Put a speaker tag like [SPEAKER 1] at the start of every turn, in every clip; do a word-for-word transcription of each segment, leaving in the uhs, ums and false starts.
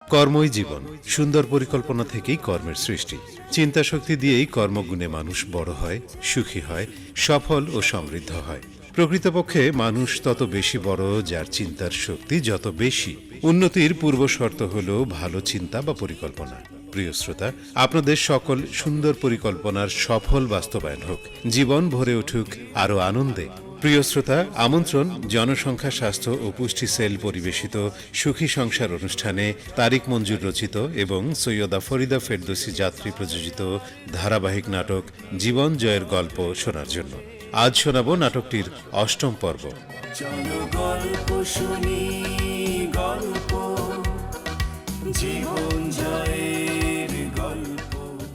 [SPEAKER 1] কর্মই জীবন। সুন্দর পরিকল্পনা থেকেই কর্মের সৃষ্টি। চিন্তা শক্তি দিয়েই কর্মগুণে মানুষ বড় হয়, সুখী হয়, সফল ও সমৃদ্ধ হয়। প্রকৃতপক্ষে মানুষ তত বেশি বড় যার চিন্তার শক্তি যত বেশি। উন্নতির পূর্ব শর্ত হল ভালো চিন্তা বা পরিকল্পনা। প্রিয় শ্রোতা, আপনাদের সকল সুন্দর পরিকল্পনার সফল বাস্তবায়ন হোক। জীবন ভরে উঠুক আরও আনন্দে। প্রিয় শ্রোতা, আমন্ত্রণ জনসংখ্যা স্বাস্থ্য ও পুষ্টি সেল পরিবেশিত সুখী সংসার অনুষ্ঠানে তারিক মঞ্জুর রচিত এবং সৈয়দা ফরিদা ফেরদৌসী যাত্রী প্রযোজিত ধারাবাহিক নাটক জীবন জয়ের গল্প শোনার জন্য। আজ শোনাব নাটকটির অষ্টম পর্ব।
[SPEAKER 2] চলো গল্প শুনি, গল্প জীবন জয়ের গল্প।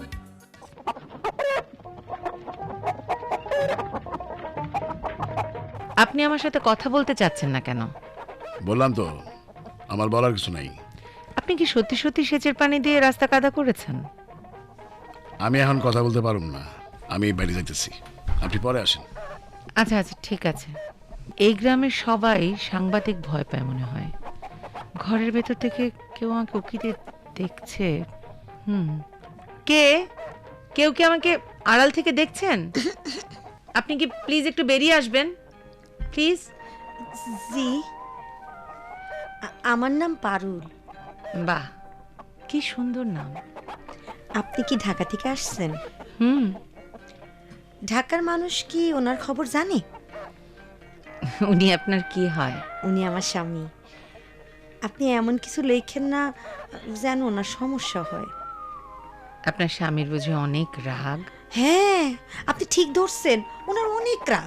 [SPEAKER 3] আপনি আমার সাথে কথা বলতে চাচ্ছেন না কেন?
[SPEAKER 4] বললাম তো আমার বলার কিছু নাই।
[SPEAKER 3] আপনি কি সত্যি সত্যি সেচের পানি দিয়ে রাস্তা কাদা করেছেন?
[SPEAKER 4] আমি এখন কথা বলতে পারুম না, আমি বাইরে যাইতেছি, আপনি পরে আসেন।
[SPEAKER 3] আচ্ছা আচ্ছা ঠিক আছে। এই গ্রামের সবাই সাংবাদিক ভয় পায় মনে হয়। ঘরের ভেতর থেকে কেউ আমাকে উকিতে দেখছে। হুম, কে কেউ কি আমাকে আড়াল থেকে দেখছেন? আপনি কি প্লিজ একটু বেরিয়ে আসবেন প্লিজ?
[SPEAKER 5] জি, আ- আমার নাম পারুল।
[SPEAKER 3] বাহ, কি সুন্দর নাম।
[SPEAKER 5] আপনি কি ঢাকা থেকে আসছেন?
[SPEAKER 3] হুম,
[SPEAKER 5] ঢাকার মানুষ কি ওনার খবর জানে?
[SPEAKER 3] উনি আপনার কি হয়?
[SPEAKER 5] উনি আমার স্বামী। আপনি এমন কিছু লেখেন না যেন ওনার সমস্যা হয়।
[SPEAKER 3] আপনার স্বামীর বুঝি অনেক রাগ?
[SPEAKER 5] হ্যাঁ, আপনি ঠিক ধরছেন, ওনার অনেক রাগ।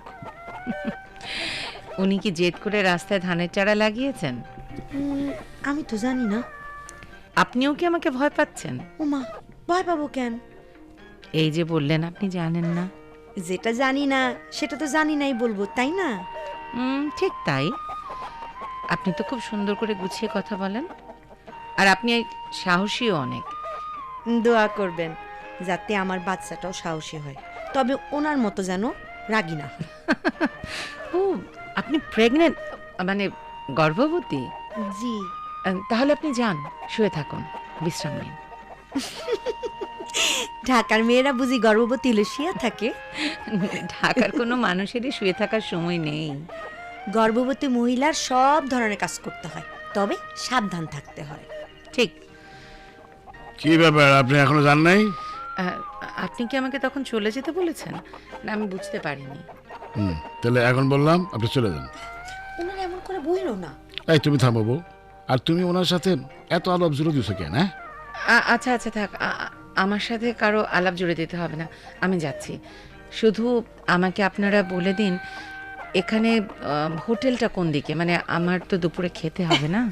[SPEAKER 3] উনি কি জেদ করে রাস্তায় ধানের চারা লাগিয়েছেন?
[SPEAKER 5] উম, আমি তো জানি না।
[SPEAKER 3] আপনিও কি আমাকে ভয় পাচ্ছেন?
[SPEAKER 5] ওমা, ভয় পাবো কেন?
[SPEAKER 3] এই যে বললেন আপনি জানেন না।
[SPEAKER 5] যেটা জানি না সেটা তো জানি নাই বলবো, তাই না?
[SPEAKER 3] হুম, ঠিক তাই। আপনি তো খুব সুন্দর করে গুছিয়ে কথা বলেন, আর আপনি সাহসীও অনেক।
[SPEAKER 5] দোয়া করবেন যাতে আমার বাচ্চাটাও সাহসী হয়, তবে ওনার মতো যেন রাগি না হয়।
[SPEAKER 3] ও, আপনি প্রেগনেন্ট, মানে গর্ভবতী?
[SPEAKER 5] জি।
[SPEAKER 3] আহ, তাহলে আপনি যান, শুয়ে থাকুন, বিশ্রাম নিন।
[SPEAKER 5] ঢাকার মেয়েরা বুঝি গর্ভবতী হলে শুয়ে থাকে?
[SPEAKER 3] ঢাকার কোনো মানুষেরই শুয়ে থাকার সময় নেই।
[SPEAKER 5] গর্ভবতী মহিলার সব ধরনের কাজ করতে হয়, তবে সাবধান থাকতে হয়।
[SPEAKER 3] ঠিক।
[SPEAKER 4] কি ব্যাপার, আপনি এখনো যান নাই?
[SPEAKER 3] আহ, আপনি কি আমাকে তখন চলে যেতে বলেছেন? না, আমি বুঝতে পারিনি।
[SPEAKER 4] হুম, তাহলে এখন বললাম আপনি চলে যান।
[SPEAKER 5] ওনার এমন করে বইল না।
[SPEAKER 4] এই তুমি থামাবো, আর তুমি ওনার সাথে এত আলাপ জুড়ে দিছো কেন? হ্যাঁ,
[SPEAKER 3] আ- আচ্ছা আচ্ছা থাক, আ- আ- আমার সাথে কারো আলাপ জুড়ে দিতে হবে না, আমি যাচ্ছি। শুধু আমাকে আপনারা বলে দিন এখানে আহ, হোটেলটা কোন দিকে, মানে আমার তো দুপুরে খেতে হবে না।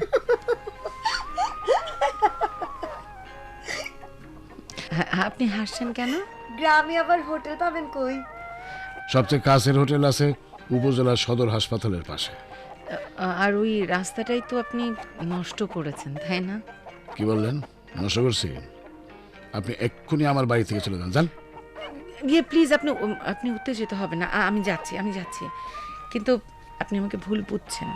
[SPEAKER 3] হ্যাঁ, আপনি হাসছেন কেন?
[SPEAKER 5] গ্রামে আবার হোটেল পাবেন কই?
[SPEAKER 4] সবচেয়ে কাছের হোটেল আছে উপজেলা সদর হাসপাতালের পাশে।
[SPEAKER 3] আ- আর ওই রাস্তাটাই তো আপনি নষ্ট করেছেন, তাই না?
[SPEAKER 4] কি বললেন? নষ্ট করছি? আপনি এক্ষুনি আমার বাড়ি থেকে চলে যান, যান।
[SPEAKER 3] গিয়ে প্লিজ, আপনি উম, আপনি উত্তেজিত হবে না, আ- আমি যাচ্ছি আমি যাচ্ছি কিন্তু আপনি আমাকে ভুল বুঝছেন।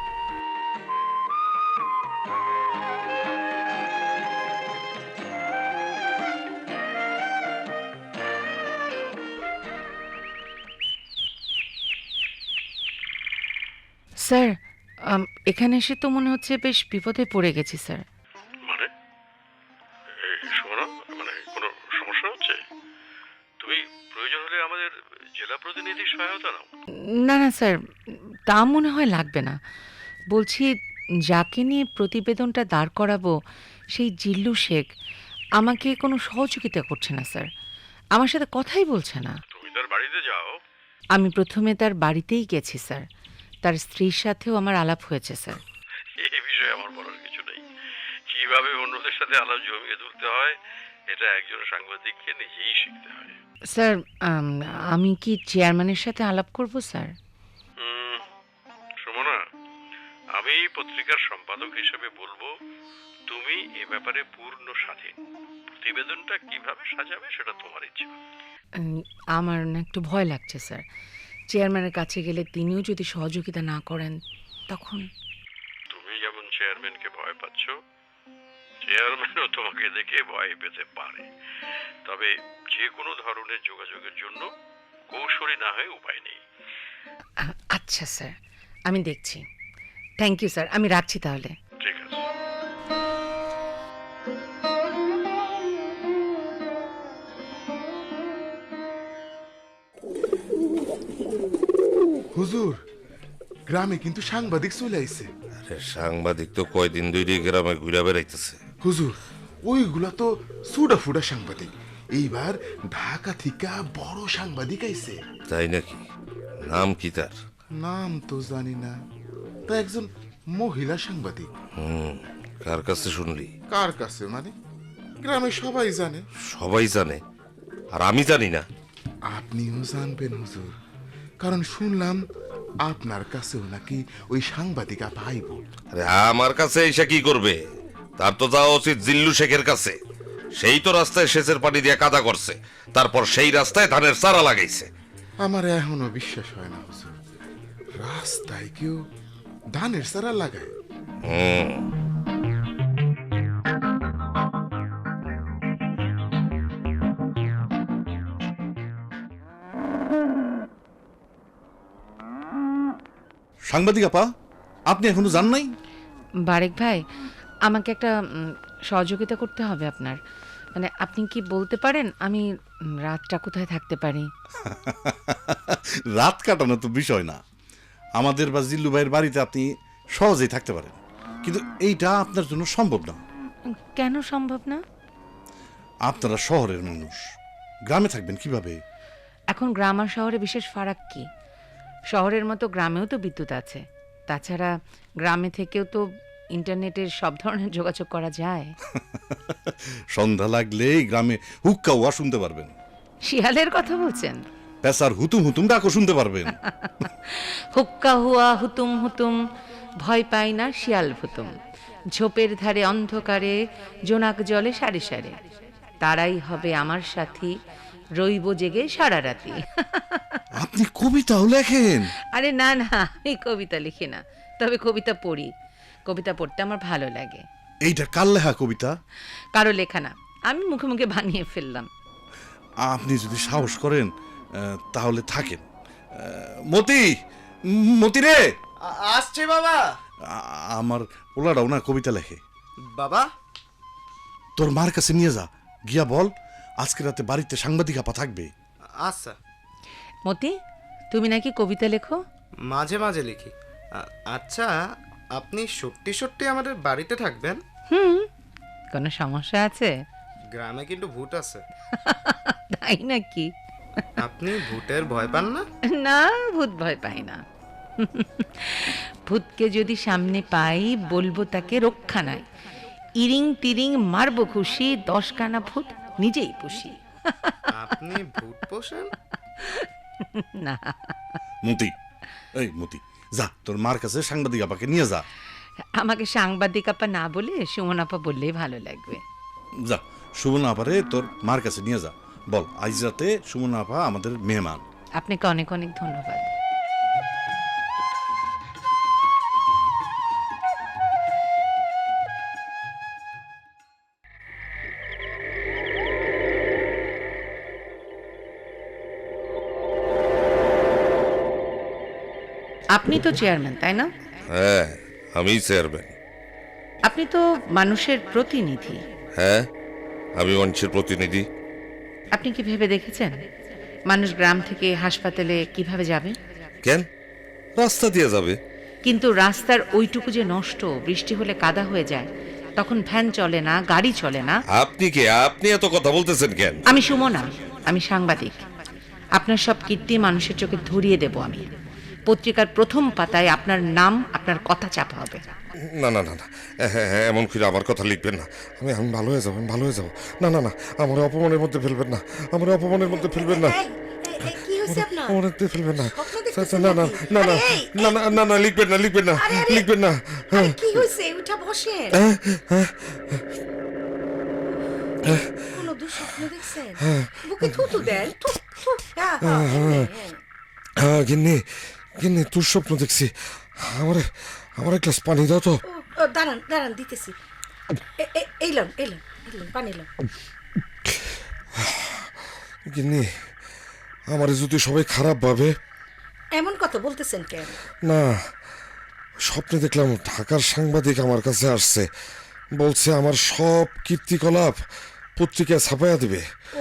[SPEAKER 3] স্যার, আম, এখানে এসে তো মনে হচ্ছে বেশ বিপদে পড়ে গেছি স্যার।
[SPEAKER 6] মানে এই শোনো, মানে কোনো সমস্যা হচ্ছে? তুমি প্রয়োজন হলে আমাদের জেলা প্রতিনিধির সহায়তা নাও।
[SPEAKER 3] না না স্যার, তা মনে হয় লাগবে না। বলছি, যাকে নিয়ে প্রতিবেদনটা দাঁড় করাবো সেই জিল্লু শেখ আমাকে কোনো সহযোগিতা করছে না স্যার, আমার সাথে কথাই বলছে না।
[SPEAKER 6] তুমি তার বাড়িতে যাও।
[SPEAKER 3] আমি প্রথমে তার বাড়িতেই গেছি স্যার, তার স্ত্রীর সাথেও আমার আলাপ হয়েছে স্যার।
[SPEAKER 6] এই বিষয়ে আমার বলার কিছু নেই। কিভাবে অন্যদের সাথে আলাপ জমিয়ে তুলতে হয় এটা একজন সাংবাদিককে নিজেই শিখতে হয়।
[SPEAKER 3] স্যার, আম, আমি কি চেয়ারম্যানের সাথে আলাপ করব স্যার?
[SPEAKER 6] হুম, সুমনা, আমি পত্রিকার সম্পাদক হিসেবে বলবো তুমি এ ব্যাপারে পূর্ণ স্বাধীন। প্রতিবেদনটা কিভাবে সাজাবে সেটা তোমার ইচ্ছা।
[SPEAKER 3] উম, আমার না একটু ভয় লাগছে স্যার, চেয়ারম্যানের কাছে গেলে তিনিও যদি সহযোগিতা না করেন তখন।
[SPEAKER 6] তুমি যেমন চেয়ারম্যানকে ভয় পাচ্ছ, চেয়ারম্যানও তোমাকে দেখে ভয় পেতে পারে। তবে যে কোনো ধরনের যোগাযোগের জন্য কৌশলী না হয়ে উপায় নেই।
[SPEAKER 3] আ- আচ্ছা স্যার, আমি দেখছি। থ্যাংক ইউ স্যার, আমি রাখছি তাহলে।
[SPEAKER 6] ঠিক আছে।
[SPEAKER 7] হুজুর, গ্রামে কিন্তু সাংবাদিক চলে আইছে।
[SPEAKER 8] আরে সাংবাদিক তো কয়দিন দুই গ্রামে ঘুরে বেড়াইতেছে।
[SPEAKER 7] হুজুর, ওইগুলা তো সুডা ফুডা সাংবাদিক। এইবার ঢাকা থেকে বড় সাংবাদিক আইছে।
[SPEAKER 8] তাই নাকি? নাম কি তার?
[SPEAKER 7] নাম তো জানি না, তা একজন মহিলা সাংবাদিক।
[SPEAKER 8] হুম, কার কাছে শুনলি?
[SPEAKER 7] কার কাছে মানে? গ্রামে সবাই জানে।
[SPEAKER 8] সবাই জানে আর আমি জানি না?
[SPEAKER 7] আপনিও জানবেন হুজুর, কারণ শুনলাম আপনার কাছেও নাকি ওই সাংবাদিক আপা আইব।
[SPEAKER 8] আরে আমার কাছে এসে কি করবে? তার তো যাওয়া উচিত জিল্লু শেখের কাছে। সেই তো রাস্তায় সেচের পানি দিয়ে কাদা করছে, তারপর সেই রাস্তায় ধানের চারা লাগাইছে।
[SPEAKER 7] আমার এখনো বিশ্বাস হয় না হুজুর, রাস্তায় কেউ ধানের চারা লাগায়।
[SPEAKER 8] হুম,
[SPEAKER 9] সাংবাদিক আপা, আপনি এখনো যান নাই?
[SPEAKER 3] বারেক ভাই, আমাকে একটা উম, সহযোগিতা করতে হবে আপনার। মানে আপনি কি বলতে পারেন আমি উম, রাতটা কোথায় থাকতে পারি?
[SPEAKER 9] রাত কাটানো তো বিষয় না। আমাদের বা জিল্লু ভাইয়ের বাড়িতে আপনি সহজেই থাকতে পারেন, কিন্তু এইটা আপনার জন্য সম্ভব না।
[SPEAKER 3] কেন সম্ভব না?
[SPEAKER 9] আপনারা শহরের মানুষ, গ্রামে থাকবেন কিভাবে?
[SPEAKER 3] এখন গ্রাম আর শহরে বিশেষ ফারাক কি? শহরের মতো গ্রামেও তো বিদ্যুৎ আছে। তাছাড়া গ্রামে থেকেও তো ইন্টারনেটের সব ধরনের যোগাযোগ করা যায়।
[SPEAKER 9] সন্ধ্যা লাগলেই গ্রামে হুক্কা ওয়া শুনতে পারবেন,
[SPEAKER 3] শিয়ালের কথা বলছেন?
[SPEAKER 9] পেশার হুতুম হুতুম ডাকও শুনতে পারবেন।
[SPEAKER 3] হুক্কা হুয়া হুতুম হুতুম, ভয় পাই না শিয়াল ভুতুম। ঝোপের ধারে অন্ধকারে জোনাক জলে সারে সারে, তারাই হবে আমার সাথী, রইব জেগে সারা রাতি।
[SPEAKER 9] আপনি কবিতাও লেখেন?
[SPEAKER 3] আরে না না, আমি কবিতা লিখি না, তবে কবিতা পড়ি। কবিতা পড়তে আমার ভালো লাগে।
[SPEAKER 9] এইটা কার লেখা কবিতা?
[SPEAKER 3] কারো লেখা না, আমি মুখে মুখে বানিয়ে ফেললাম।
[SPEAKER 9] আপনি যদি সাহস করেন আহ, তাহলে থাকেন। আহ, মতি, মতি রে,
[SPEAKER 10] আসছে বাবা।
[SPEAKER 9] আ- আমার পোলাটাও না কবিতা লেখে।
[SPEAKER 10] বাবা,
[SPEAKER 9] তোর মার কাছে নিয়ে যা, গিয়া বল আজকে রাতে বাড়িতে সাংবাদিক আপা থাকবে।
[SPEAKER 10] আচ্ছা।
[SPEAKER 3] মতি, তুমি নাকি কবিতা লেখো?
[SPEAKER 10] মাঝে মাঝে লিখি। আ- আচ্ছা, আপনি সত্যি সত্যি আমাদের বাড়িতে থাকবেন?
[SPEAKER 3] হুম, কোনো সমস্যা আছে?
[SPEAKER 10] গ্রামে কিন্তু ভূত আছে।
[SPEAKER 3] তাই নাকি?
[SPEAKER 10] আপনি ভূতের ভয় পান না?
[SPEAKER 3] না, ভূত ভয় পাই না। ভূতকে যদি সামনে পাই বলবো তাকে রক্ষা নাই, ইরিং তিরিং মারবো খুশি, দশ কানা ভূত নিজেই পুষি।
[SPEAKER 10] আপনি ভূত পোষেন?
[SPEAKER 3] না,
[SPEAKER 9] মতি, এই মতি, যা তোর মার কাছে সাংবাদিক আপাকে নিয়ে যা।
[SPEAKER 3] আমাকে সাংবাদিক আপা না বলে সুমন আপা বললেই ভালো লাগবে।
[SPEAKER 9] যা, সুমন আপারে তোর মার কাছে নিয়ে যা, বল আজ রাতে সুমন আপা আমাদের মেহমান।
[SPEAKER 3] আপনাকে অনেক অনেক ধন্যবাদ। আপনি তো চেয়ারম্যান, তাই না?
[SPEAKER 8] হ্যাঁ, আমি চেয়ারম্যান।
[SPEAKER 3] আপনি তো মানুষের প্রতিনিধি।
[SPEAKER 8] হ্যাঁ, আমি মানুষের প্রতিনিধি।
[SPEAKER 3] আপনি কি ভেবে দেখেছেন মানুষ গ্রাম থেকে হাসপাতালে কিভাবে যাবে?
[SPEAKER 8] কেন? রাস্তা দিয়ে যাবে।
[SPEAKER 3] কিন্তু রাস্তার ওইটুকু যে নষ্ট, বৃষ্টি হলে কাদা হয়ে যায়, তখন ভ্যান চলে না, গাড়ি চলে না।
[SPEAKER 8] আপনি কে? আপনি এত কথা বলতেছেন কেন?
[SPEAKER 3] আমি সুমনা, আমি সাংবাদিক। আপনার সব কীর্তি মানুষের চোখে ধরিয়ে দেব আমি। পত্রিকার প্রথম পাতায় আপনার নাম, আপনার কথা চাপা হবে।
[SPEAKER 8] না না না না, হ্যাঁ হ্যাঁ, এমন করে আমার কথা লিখবেন না। আমি আমি ভালো হয়ে যাবো, আমি ভালো হয়ে যাবো। না না না, আমার অপমানের মধ্যে ফেলবেন না, আমার অপমানের মধ্যে ফেলবেন না,
[SPEAKER 5] কি হয়েছে আপনার?
[SPEAKER 8] আমার মধ্যে ফেলবেন না।
[SPEAKER 5] স্বপ্ন দেখতেছেন
[SPEAKER 8] না না
[SPEAKER 5] নাকি?
[SPEAKER 8] না না
[SPEAKER 5] আরে, এই,
[SPEAKER 8] না না না না, লিখবেন না, লিখবেন না,
[SPEAKER 5] আরে, আরে।
[SPEAKER 8] লিখবেন না।
[SPEAKER 5] আরে, কি হয়েছে? উঠা বসে। কোনো দুঃস্বপ্ন দেখছেন? বুকে থুতু দেন। থু, থু, হ্যাঁ, হ্যাঁ, হ্যাঁ, হ্যাঁ।
[SPEAKER 8] হ্যাঁ গিন্নি, গিন্নি তোর স্বপ্ন দেখছি। আমার আমার এক গ্লাস পানি দাও তো।
[SPEAKER 5] ও, ও, দাঁড়ান দাঁড়ান দিতেছি। এ- এ- এই লন এই লন এই লন, পানি লন।
[SPEAKER 8] গিন্নি আমার যদি সবাই খারাপ ভাবে।
[SPEAKER 5] এমন কথা বলতেছেন কেন?
[SPEAKER 8] না, স্বপ্নে দেখলাম ঢাকার সাংবাদিক আমার কাছে আসছে, বলছে আমার সব কীর্তিকলাপ পত্রিকায় ছাপাইয়া দিবে।
[SPEAKER 5] ও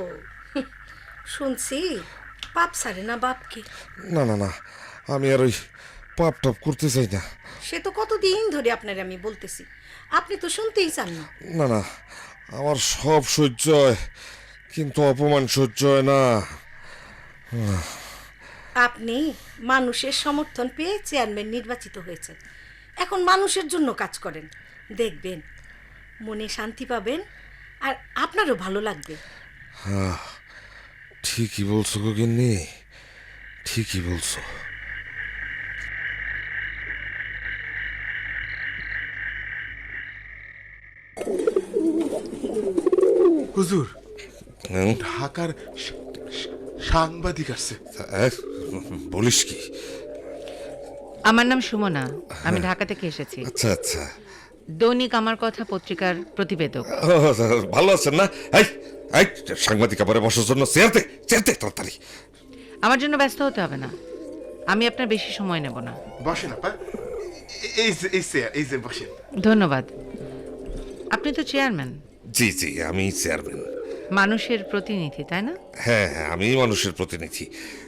[SPEAKER 5] শুনছি পাপ সারে না বাপকে।
[SPEAKER 8] না না না, আমি আর ওই পাপ টাপ করতে চাই না।
[SPEAKER 5] সে তো কতদিন ধরে আপনার আমি বলতেছি, আপনি তো শুনতেই চান না।
[SPEAKER 8] না না, আমার সব সহ্য হয়, কিন্তু অপমান সহ্য হয় না।
[SPEAKER 5] আপনি মানুষের সমর্থন পেয়ে চেয়ারম্যান নির্বাচিত হয়েছেন, এখন মানুষের জন্য কাজ করেন, দেখবেন মনে শান্তি পাবেন আর আপনারও ভালো লাগবে।
[SPEAKER 8] ঠিকই বলছো গো গিন্নি, ঠিকই বলছো।
[SPEAKER 7] হুজুর,
[SPEAKER 8] হুম?
[SPEAKER 7] ঢাকার সা- সা- সাংবাদিক আসছে।
[SPEAKER 8] আহ, বলিস কি?
[SPEAKER 3] আমার নাম সুমনা, আমি ঢাকা থেকে এসেছি।
[SPEAKER 8] আচ্ছা আচ্ছা,
[SPEAKER 3] দৈনিক আমার কথা পত্রিকার প্রতিবেদক।
[SPEAKER 8] ও, ভালো আছেন না? এই এই সাংবাদিক আবার বসার জন্য চেয়ারতে চেয়ারতে তাড়াতাড়ি।
[SPEAKER 3] আমার জন্য ব্যস্ত হতে হবে না, আমি আপনার বেশি সময় নেব না।
[SPEAKER 7] বসেন আপা, এ- এই যে এই চেয়ার, এই যে বসেন।
[SPEAKER 3] ধন্যবাদ। আপনি তো চেয়ারম্যান,
[SPEAKER 8] জি জি, আমি চেয়ারম্যান।
[SPEAKER 3] মানুষের প্রতিনিধি, তাই না?
[SPEAKER 8] হ্যাঁ হ্যাঁ, আমি মানুষের প্রতিনিধি।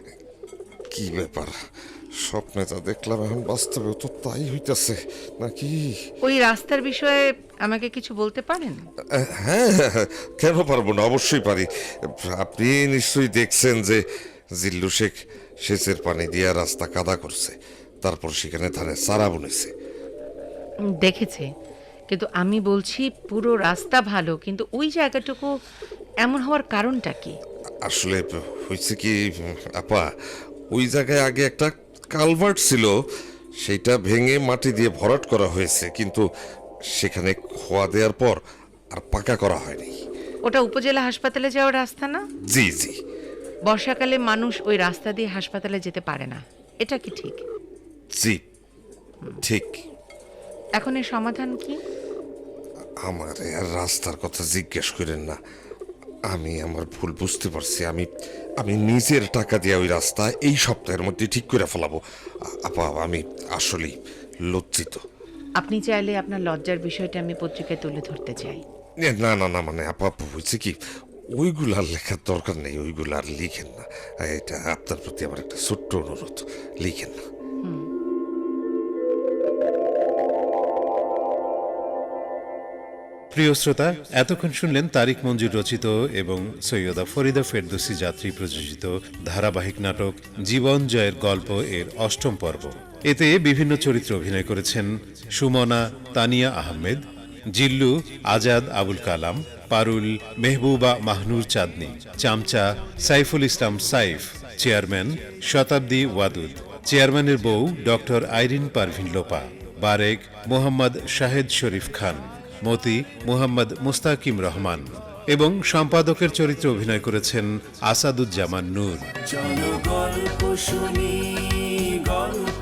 [SPEAKER 8] কি ব্যাপার, স্বপ্নে যা দেখলাম এখন বাস্তবে তো তাই হইতাছে নাকি?
[SPEAKER 3] ওই রাস্তার বিষয়ে আমাকে কিছু বলতে পারেন?
[SPEAKER 8] আহ, হ্যাঁ হ্যাঁ, কেন পারবো না, অবশ্যই পারি। আপনি নিশ্চয়ই দেখছেন যে জিল্লু শেখ সেচের পানি দিয়ে রাস্তা কাদা করছে, তারপর সেখানে ধানের চারা বুনেছে।
[SPEAKER 3] উম, দেখেছি, কিন্তু আমি বলছি পুরো রাস্তা ভালো, কিন্তু ওই জায়গাটুকু এমন হওয়ার কারণটা কি?
[SPEAKER 8] আসলে হয়েছে কি আপা, ওই জায়গায় আগে একটা কালভার্ট ছিল, সেইটা ভেঙে মাটি দিয়ে ভরাট করা হয়েছে, কিন্তু সেখানে খোয়া দেওয়ার পর আর পাকা করা হয়নি।
[SPEAKER 3] ওটা উপজেলা হাসপাতালে যাওয়ার রাস্তা না?
[SPEAKER 8] জি জি
[SPEAKER 3] বর্ষাকালে মানুষ ওই রাস্তা দিয়ে হাসপাতালে যেতে পারে না, এটা কি ঠিক?
[SPEAKER 8] জি ঠিক।
[SPEAKER 3] এখন এর সমাধান কি?
[SPEAKER 8] আমার আর রাস্তার কথা জিজ্ঞেস করেন না, আমি আমার ভুল বুঝতে পারছি। আমি আমি নিজের টাকা দিয়ে ওই রাস্তা এই সপ্তাহের মধ্যে ঠিক করে ফেলাবো। আ- আপা, আমি আসলেই লজ্জিত।
[SPEAKER 3] আপনি চাইলে আপনার লজ্জার বিষয়টা আমি পত্রিকায় তুলে ধরতে চাই।
[SPEAKER 8] এ, না না না, মানে আপা হয়েছে কি, ওইগুলার লেখার দরকার নেই, ওইগুলো আর লিখেন না। এটা আপনার প্রতি আমার একটা ছোট্ট অনুরোধ, লিখেন না।
[SPEAKER 1] প্রিয় শ্রোতা, এতক্ষণ শুনলেন তারিক মঞ্জুর রচিত এবং সৈয়দা ফরিদা ফেরদৌসী যাত্রী প্রযোজিত ধারাবাহিক নাটক জীবন জয়ের গল্প এর অষ্টম পর্ব। এতে বিভিন্ন চরিত্রে অভিনয় করেছেন সুমনা তানিয়া আহমেদ, জিল্লু আজাদ আবুল কালাম, পারুল মেহবুবা মাহনুর চাঁদনী, চামচা সাইফুল ইসলাম সাইফ, চেয়ারম্যান শতাব্দী ওয়াদুদ, চেয়ারম্যানের বউ ডক্টর আইরিন পারভিন লোপা, বারেক মোহাম্মদ শাহেদ শরীফ খান, মতি মোহাম্মদ মুস্তাকিম রহমান এবং সম্পাদকের চরিত্রে অভিনয় করেছেন আসাদুজ্জামান নূর।
[SPEAKER 2] চলো গল্প শুনি, গল্প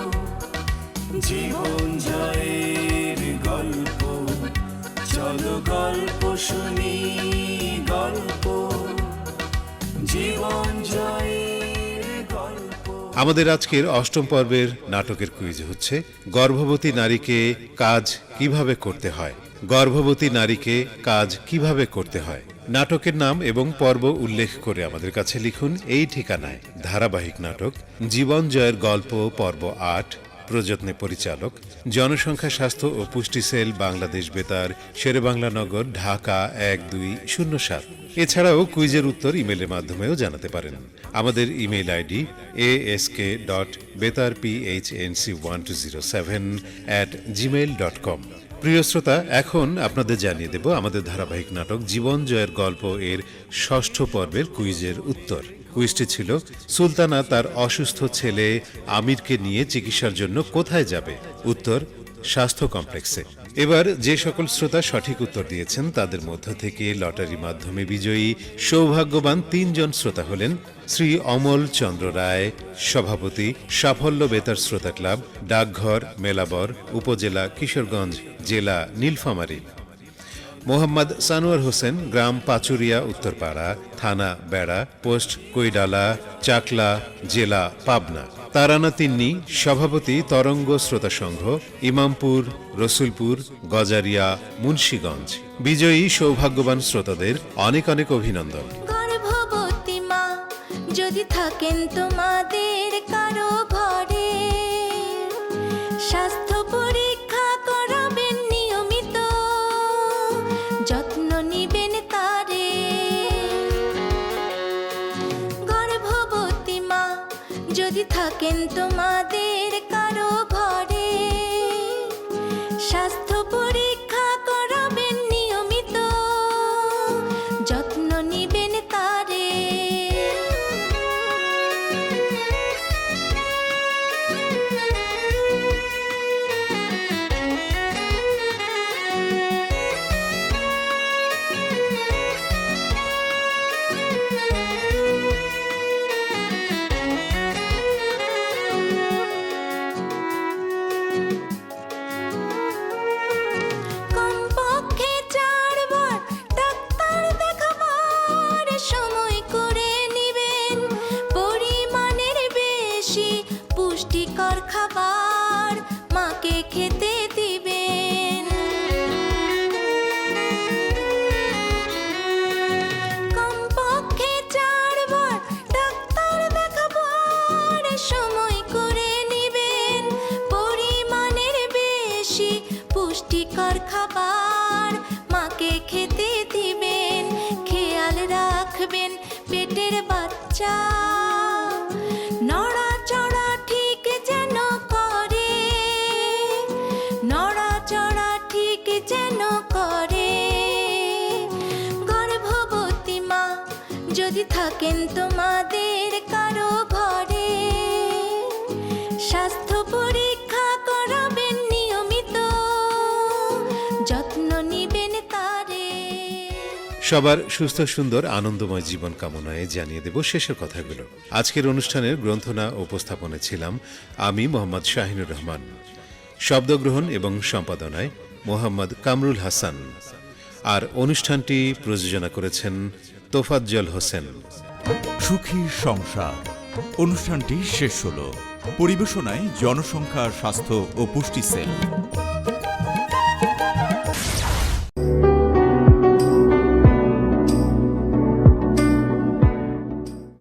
[SPEAKER 2] জীবন জয়ের গল্প। চলো গল্প শুনি, গল্প জীবন জয়ের গল্প।
[SPEAKER 1] আমাদের আজকের অষ্টম পর্বের নাটকের কুইজ হচ্ছে গর্ভবতী নারীকে কাজ কিভাবে করতে হয়। গর্ভবতী নারীকে কাজ কিভাবে করতে হয়। নাটকের নাম এবং পর্ব উল্লেখ করে আমাদের কাছে লিখুন এই ঠিকানায়। ধারাবাহিক নাটক জীবন জয়ের গল্প পর্ব আট, প্রযত্নে পরিচালক জনসংখ্যা স্বাস্থ্য ও পুষ্টি সেল, বাংলাদেশ বেতার, শেরেবাংলা নগর, ঢাকা এক দুই শূন্য সাত। এছাড়াও কুইজের উত্তর ইমেলের মাধ্যমেও জানাতে পারেন। আমাদের email ID A S K dot Betar P H N C one two zero seven at Gmail dot com. প্রিয় শ্রোতা, এখন আপনাদের জানিয়ে দেব আমাদের ধারাবাহিক নাটক জীবন জয়ের গল্প এর ষষ্ঠ পর্বের কুইজের উত্তর। কুইজটি ছিল সুলতানা তার অসুস্থ ছেলে আমিরকে নিয়ে চিকিৎসার জন্য কোথায় যাবে। উত্তর স্বাস্থ্য কমপ্লেক্সে। এবার যে সকল শ্রোতা সঠিক উত্তর দিয়েছেন তাদের মধ্য থেকে লটারি মাধ্যমে বিজয়ী সৌভাগ্যবান তিনজন শ্রোতা হলেন শ্রী অমল চন্দ্র রায়, সভাপতি, সাফল্য বেতার শ্রোতা ক্লাব, ডাকঘর, মেলাবর, উপজেলা কিশোরগঞ্জ, জেলা নীলফামারী; মোহাম্মদ সানোয়ার হোসেন, গ্রাম পাচুরিয়া উত্তরপাড়া, থানা বেড়া, পোস্ট কৈডালা, চাকলা, জেলা পাবনা; তারানা তিন্নি, সভাপতি, তরঙ্গ শ্রোতা সংঘ, ইমামপুর, রসুলপুর, গজারিয়া, মুন্সীগঞ্জ। বিজয়ী সৌভাগ্যবান শ্রোতাদের অনেক অনেক অভিনন্দন।
[SPEAKER 11] গর্ভবতী মা যদি থাকেন তোমাদের কারো ঘরে, স্বাস্থ্য পরীক্ষা করাবেন নিয়মিত, যত্ন নিবেন তারে। গর্ভবতী মা যদি থাকেন তোমাদের কারো ঘরে, স্বাস্থ্য পরীক্ষা করাবেন নিয়মিত, যত্ন নিবেন তারে। কমপক্ষে চারবার ডাক্তার দেখাবার সময় করে নিবেন, পরিমাণের বেশি পুষ্টিকর খাবার মাকে খেতে দিবেন। কমপক্ষে চারবার ডাক্তার দেখাবার সময় করে নিবেন, পরিমাণের বেশি পুষ্টিকর খাবার মাকে খেতে দিবেন। খেয়াল রাখবেন পেটের বাচ্চা নড়াচড়া ঠিক যেন করে, নড়াচড়া ঠিক যেন করে। গর্ভবতী মা যদি থাকেন তোমাদের কারো ঘরে, স্বাস্থ্য পরীক্ষা করাবেন নিয়মিত, যত্ন নিবেন তারে।
[SPEAKER 1] সবার সুস্থ সুন্দর আনন্দময় জীবন কামনায় জানিয়ে দেব শেষের কথাগুলো। আজকের অনুষ্ঠানের গ্রন্থনা ও উপস্থাপনে ছিলাম আমি মোহাম্মদ শাহিনুর রহমান। শব্দগ্রহণ এবং সম্পাদনায় মোহাম্মদ কামরুল হাসান। আর অনুষ্ঠানটি প্রযোজনা করেছেন তোফাজ্জল হোসেন।
[SPEAKER 12] সুখী সংসার অনুষ্ঠানটি শেষ হলো। পরিবেশনায় জনসংখ্যা, স্বাস্থ্য ও পুষ্টি সেল।